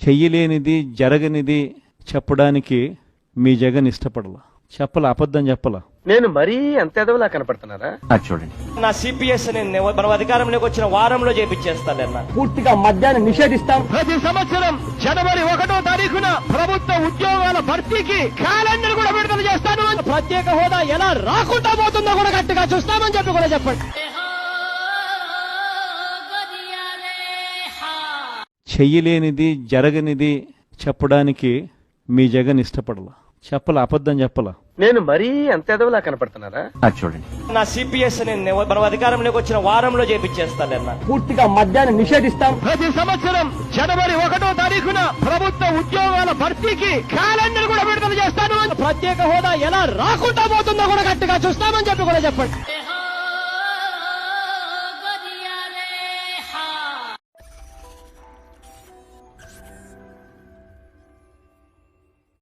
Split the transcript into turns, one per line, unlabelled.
చెయ్యలేనిది జరగనిది చెప్పడానికి మీ జగన్ ఇష్టపడలా. చెప్పలా, అబద్ధం చెప్పలా.
నేను మరీ అంత ఎదవలా కనపడుతున్నారా?
చూడండి,
నా సిపిఎస్ మనం అధికారంలోకి వచ్చిన వారంలో చేపించేస్తాను.
పూర్తిగా మద్యాన్ని నిషేధిస్తాం.
ప్రతి సంవత్సరం జనవరి 1వ తారీఖున ప్రభుత్వ ఉద్యోగాల భర్తీకి క్యాలెండర్ కూడా విడుదల చేస్తాను. ప్రత్యేక హోదా ఎలా రాకుండా పోతుందో కూడా గట్టిగా చూస్తామని చెప్పి కూడా చెప్పండి.
చెయ్యలేనిది జరగనిది చెప్పడానికి మీ జగన్ ఇష్టపడలా. చెప్పలా, అబద్ధం చెప్పలా.
నేను మరీ అంత ఎదవలా కనపడుతున్నారా?
చూడండి,
నా సిపిఎస్ మనం అధికారంలోకి వచ్చిన వారంలో చేపించేస్తాను.
పూర్తిగా మద్యాన్ని నిషేధిస్తాం.
ప్రతి సంవత్సరం జనవరి 1వ తారీఖున ప్రభుత్వ ఉద్యోగాల భర్తీకి క్యాలెండర్ కూడా విడుదల చేస్తాను. ప్రత్యేక హోదా ఎలా రాకుండా పోతుందో కూడా గట్టిగా చూస్తామని చెప్పి కూడా చెప్పండి.